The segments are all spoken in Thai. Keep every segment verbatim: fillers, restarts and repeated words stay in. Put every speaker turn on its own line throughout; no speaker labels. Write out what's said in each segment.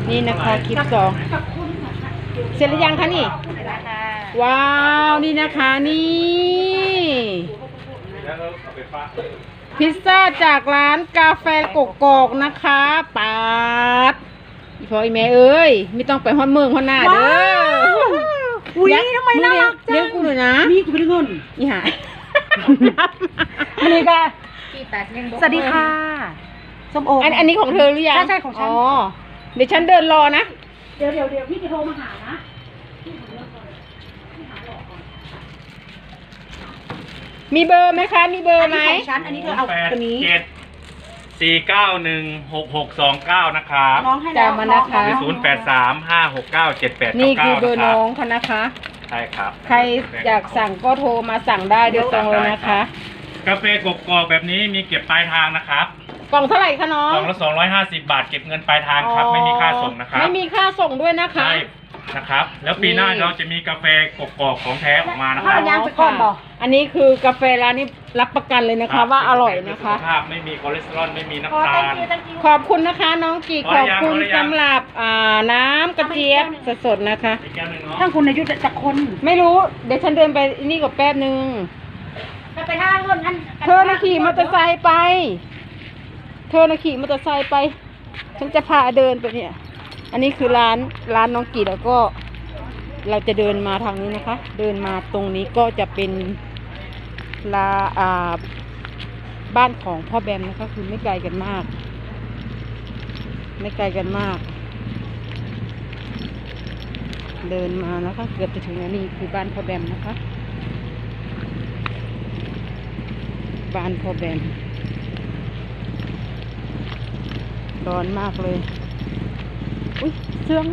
นี่นะคะคลิปสองเสร็จหรือยังคะนี่ว้าวนี่นะคะนี่พิซซ่าจากร้านกาแฟกกอกนะคะปาดอีพออีแม่เอ้ยไม่ต้องไปฮอนเมืองฮอนหน้าเด้ออุ้ยทำไมน่ารักจังเลี้ยงกูหน่อยนะมีกูเป็นเงินอีหายอันนี้ก็สวัสดีค่ะส้มโออันอันนี้ของเธอหรือยังใช่ของฉันอ๋อเดี๋ยวฉันเดินรอนะเดี๋ยวเดี๋ยวเดี๋ยวพี่จะโทรมาหานะมีเบอร์ไหมคะมีเบอร์ไหมของฉันอันนี้เธอเอาตัวนี้
เจ็ดสี่เก้าหนึ่งหกหกสองเก้านะครับ
น้องให้แล้วมานะคะ
ศูนย์แปดสามห้าหกเก้าเจ็ดแปด
นี่คือเบอร์น้องค่ะนะคะ
ใช่ครับ
ใครอยากสั่งก็โทรมาสั่งได้โดยตรงเลยนะคะ
กาแฟกกอกแบบนี้มีเก็บปลายทางนะครับ
กล่องเท่าไหร่คะน้อง
กล่องละสองร้อยห้าสิบบาทเก็บเงินปลายทางครับไม่มีค่าส่งนะครับ
ไม่มีค่าส่งด้วยนะคะ
ใช่นะครับแล้วปีหน้าเราจะมีกาแฟกกอกของแท้ออกมานะครับ
อันนี้คือกาแฟร้านนี้รับประกันเลยนะคะว่าอร่อยนะคะ
สุขภาพไม่มีคอเลสเตอรอลไม่มีน้ำตาล
ขอบคุณนะคะน้องกีขอบคุณสำหรับอ่าน้ำกระเจี๊ยบสดๆนะคะทั้งคุณอายุจะคนไม่รู้เดี๋ยวฉันเดินไปนี่กับแป๊บนึงไปท่าเงินเธอนะขี่มอเตอร์ไซค์ไปเธอนะขี่มอเตอร์ไซค์ไปฉันจะพาเดินไปเนี่ยอันนี้คือร้านร้านน้องกีแล้วก็เราจะเดินมาทางนี้นะคะเดินมาตรงนี้ก็จะเป็นลาอ่าบ้านของพ่อแบมนะคะคือไม่ไกลกันมากไม่ไกลกันมากเดินมานะคะเกือบจะถึงแล้วนี่คือบ้านพ่อแบมนะคะบ้านพ่อแบมร้อนมากเลยอุ้ยเสื่อม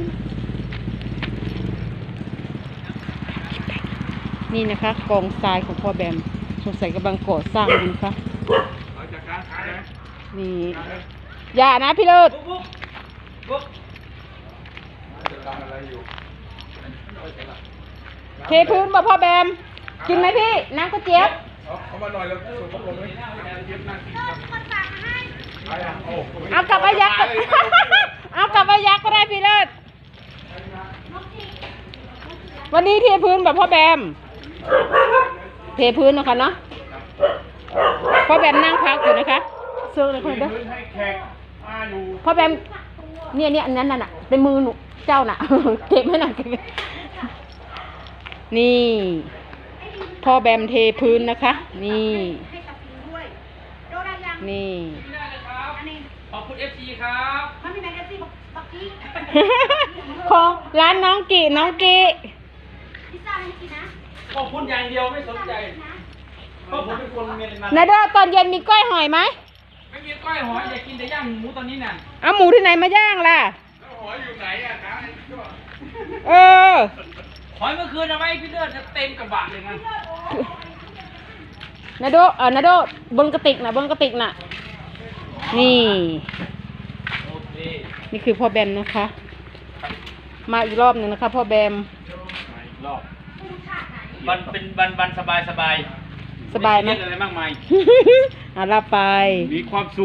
นี่นะคะกองทรายของพ่อแบมสงสัยกำลังก่อสร้างอยู่นะคะนี่อย่านะพี่เลิศเทพื้นมาพ่อแบมกินไหมพี่น้ำกระเจี๊ยบเอามาหน่อยแล้วส่งพัดลมเอากลับอายักษ์เอากลับอายักษ์ก็ได้พี่เลิศวันนี้เทพื้นแบบพ่อแบมเทพื้นนะคะเนาะพ่อแบมนั่งพักอยู่นะคะเซิร์ฟเลยคนเด้อพ่อแบมเนี่ยเนี่ยอันนั้นน่ะเป็นมือหนูเจ้าน่ะเก็บให้หน่อยนี่พ่อแบมเทพื้นนะคะนี่นี่
ขอบคุณ เอฟ ซี ครับมันมีแมกกาซีนบักกี้
ของร้านน้องกีน้องกี
พิซซ่าไม่กินนะขอบคุณอย่างเดียวไม่สนใจเพราะผมเป็นคนเมียนมา
นาเด้อตอนเย็นมีก้อยหอยไหม
ไม่มีก้อยหอยอยากกินแต่ย่างหมูตอนนี้น่ะ
เอาหมูที่ไหนมาย่างล่ะ
หอยอยู่ไหนอ่ะนะ
เออ
หอยเมื่อคืนเอาไว้พี่เลือดเต็มกระบะเลยนะ
นาโดเออนาโดบนกระติกน่ะบนกระติกน่ะนี่นี่คือพ่อแบมนะคะมาอีกรอบหนึ่งนะคะพ่อแบม
มาอีกรอบวันเป็นวันวันสบายสบาย
สบายไหม
อะไรมากมาย
อ่ะรับไป
มีความสุข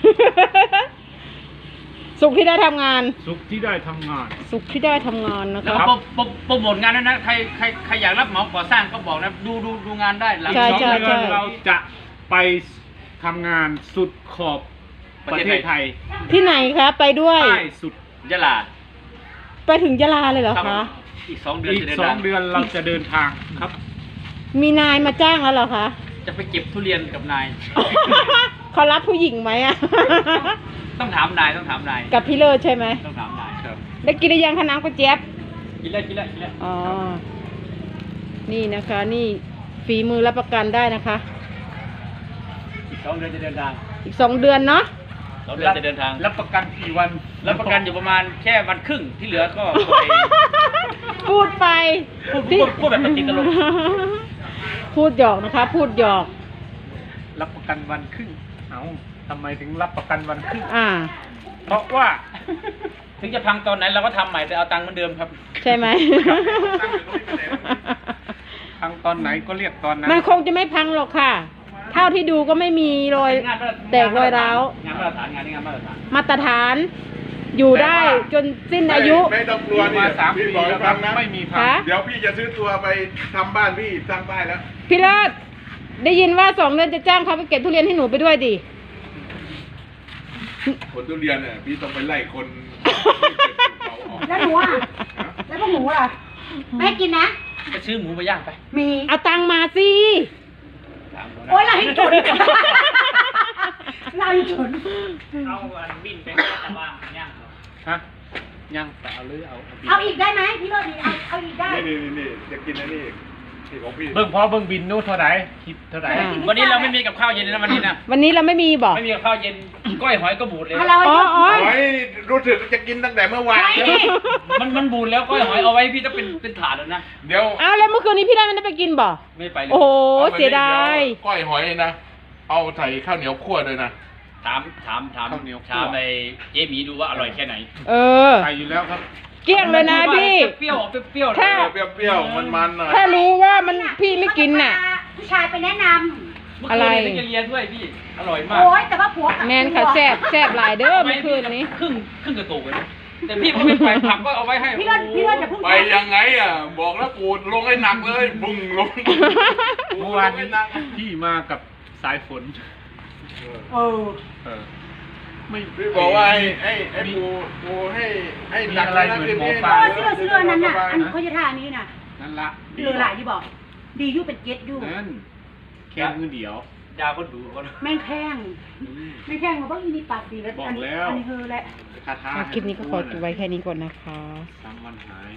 สุขที่ได้ทำงาน
สุขที่ได้ทำงาน
สุขที่ได้ทำงานนะคะ
แล้วโปรโมทงานด้วยนะใครใครใครอยากรับเหมาก่อสร้างก็บอกนะดูดูดูงานได้หลังสองเดือนเราจะไปทำงานสุดขอบประเทศไทย
ที่ไหนคะไปด้วย
ใต้สุดยะลา
ไปถึงยะลาเลยเหรอคะ
อีกสองเดือนอีกสองเดือนเราจะเดินทางครับ
มีนายมาจ้างแล้วเหรอคะ
จะไปเก็บทุเรียนกับนาย
เขารับผู้หญิงไหมอ่ะ
ต้องถามนายต้องถามนาย
กับพี่เลิศใช่ไหม
ต้องถามนายครับ
ได้กินหรือยังคะน้ำกระเจี๊ยบ
กินแล้วกินแล้วกินแล้ว
อ๋อนี่นะคะนี่ฝีมือรับประกันได้นะคะ
อีกสองเดือนจะเดินทาง
อีกสองเดือนเนาะ
สองเดือนจะเดินทางรับประกันกี่วันรับประกันอยู่ประมาณแค่วันครึ่งที่เหลือก็
พูดไป
พูดพูดแบบติดตลก
พูดหยอกนะคะพูดหยอก
รับประกันวันครึ่งเอาทำไมถึงรับประกันวันครึ่ง
อ่า
เพราะว่าถึงจะพังตอนไหนเราก็ทำใหม่แต่เอาตังค์เหมือนเดิมครับ
ใช่ไหม
พังตอนไหนก็เรียกตอนนั้น
มันคงจะไม่พังหรอกค่ะเท่าที่ดูก็ไม่มีรอยแตกรอยร้าว
งานมาตรฐานงานนี้งานมาตรฐาน
มาตรฐานอยู่ได้จนสิ้นอายุ
ไม่ต้องกลัวนี่
มาสามปี
พี่บอกให้
แล้ว
ฟังนะ
ไม่มีพั
คะ
ง
เดี๋ยวพี่จะซื้อตัวไปทำบ้านพี่สร้างบ้านแล้ว
พี่เลิศได้ยินว่าสองเดือนจะจ้างเขาไปเก็บทุเรียนให้หนูไปด้วยดิ
ผลทุเรียนเนี่ยพี่ต้องไปไล่คนเขาออก
แล้วหนูอ่ะ แล้วพวกหนูล่ะ ไม่ให้กินนะ
ไปซื้อหมูมาย่างไป
มี
เอาตังค์มาสิ
โอ๊ยเราให้จุดเราให้จุด
เอาอันบินไปให้ตะว่างย่าง
ฮะยังแต่เอาเลยเอาเอาบิน
เอาอีกได้ไหมพี่โรดีเอาเอาอีกได้
นี่นี่นี่จะกินอันนี้อีกที่ของพี่
เบิ่งพอเบิ่งบินนู้นเท่าไหร่คิดเท่าไหร่
อ่า
วันนี้เราไม่มีกับข้าวเย็นนะวันนี้นะ
วันนี้เราไม่มีบอก
ไม่มีกับข้าวเย็น ก้อยหอยก็บูดเลย
เอาเรา
อ๋ออ๋อ
โอ้ยรู้สึกจะกินตั้งแต่เมื่อวาน
ไม่
แล้ว
มันมันบูดแล้วก้อยหอยเอาไว้พี่ต้องเป็นเป็นถาดแล้วนะ
เดี๋ยว
เอาแล้วเมื่อคืนนี้พี่ได้ไม่ได้ไปกินบ่
ไม่ไปเลย
โอ้โห
อาไป
เสียดาย
เวก้อยหอยนะ เอาใส่ข้าวเหนียวคั่วด้วยนะ
ถามถามถาม
ข้าวเหนียวคั่ว
ถามไอ้เจ๊หมีดูว่าอร่อยแค่ไหน
เออ
ใส่อยู่แล้วครับ
เกลี้ยงเลยนะพี่
เปรี้ยวๆเปรี้ยวๆ
ถ้า
เปรี้ยวๆมันๆหน่อย
ถ้ารู้ว่ามันพี่ไม่กินน่ะ
ผู้ชายไปแนะน
เมื่อ
อะไร
คืนนี้เรียนด้วยพี่ อร่อย
ำ
มาก
โอ๊ยแต่ว่าผัวกับ
แมนค่ะแซบแซบหลายเด้อเมื่อคืนนี้
ครึ่งครึ่งกระตุกเลยนะแต่พี่ก็ไม่ไปผักก็เอาไว้ให้
พี่โรดพี่โรดอย่าพูด
ไปยังไงอ่ะ บอกแล้วปูดลงให้หนักเลยบุ้งลง
เมื่อวานนี้พี่มากับสายฝน
เออ
เออ ไม่
พี่บอกว่าให้ให้ให้ปูปูให้ให้หนัก
มีอะไร
นะ
เหมือน
คืน
หมอ
นี้
ป
เอ
ลา
อเสื้อเสื้อนั้นน่ะ อันเขาจะท่านี้น่ะ
นั่นละ
เรือหลายที่บอก ดีอยู่เป็นเก็ตอยู่
นั่นแค่มือเดียว
ยาก็ดูก็
แม่งแข้งแม่งแข้งมาบ้างอีนี่ปากดีแล้ว
บอก
อันนี้
แล้ว
อันนี้เธอแหละ
คาถา
คลิปนี้ก็ขอจบไว้แค่นี้ก่อนนะคะ
สามวันหาย